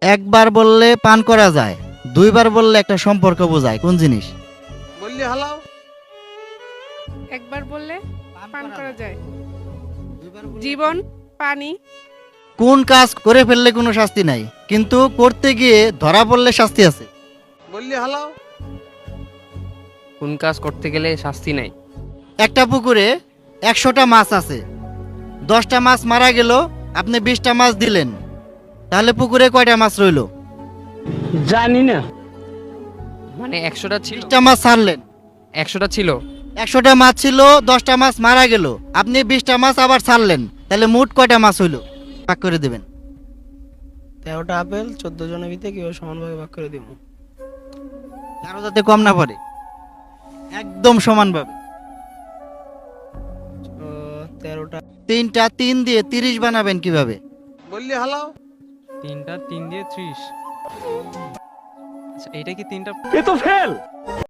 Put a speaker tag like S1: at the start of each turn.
S1: একবার বললে পান করা যায়, দুইবার বললে একটা সম্পর্ক বোঝায়, কোন জিনিস?
S2: বললি হালাও।
S3: একবার বললে পান করা যায়, জীবন, পানি।
S1: কোন কাজ করে ফেললে কোনো শাস্তি নাই, কিন্তু করতে গিয়ে ধরা পড়লে শাস্তি আছে?
S2: বললি হালাও।
S4: কোন কাজ করতে গেলে শাস্তি নাই?
S1: একটা পুকুরে 100টা মাছ আছে, 10টা মাছ মারা গেল, আপনি 20টা মাছ দিলেন, তাহলে পুকুরে কয়টা মাছ রইল?
S5: জানি না।
S4: মানে 100টা ছিল,
S1: 20টা মাছ ছাড়লেন,
S4: 100টা ছিল।
S1: 100টা মাছ ছিল, 10টা মাছ মারা গেল, আপনি 20টা মাছ আবার ছাড়লেন, তাহলে মোট কয়টা মাছ হইল? ভাগ করে দেবেন।
S5: 13টা আপেল 14 জনের ভিতরে কিভাবে সমানভাবে ভাগ করে দিব?
S1: কারো যাতে কম না পড়ে, একদম সমানভাবে।
S5: 13টা
S1: 3টা 3 দিয়ে 30 বানাবেন কিভাবে?
S2: বললি হালাও।
S6: 3টা 3 দিয়ে 30। আচ্ছা, এইটা কি 3টা?
S5: এ তো ফেল।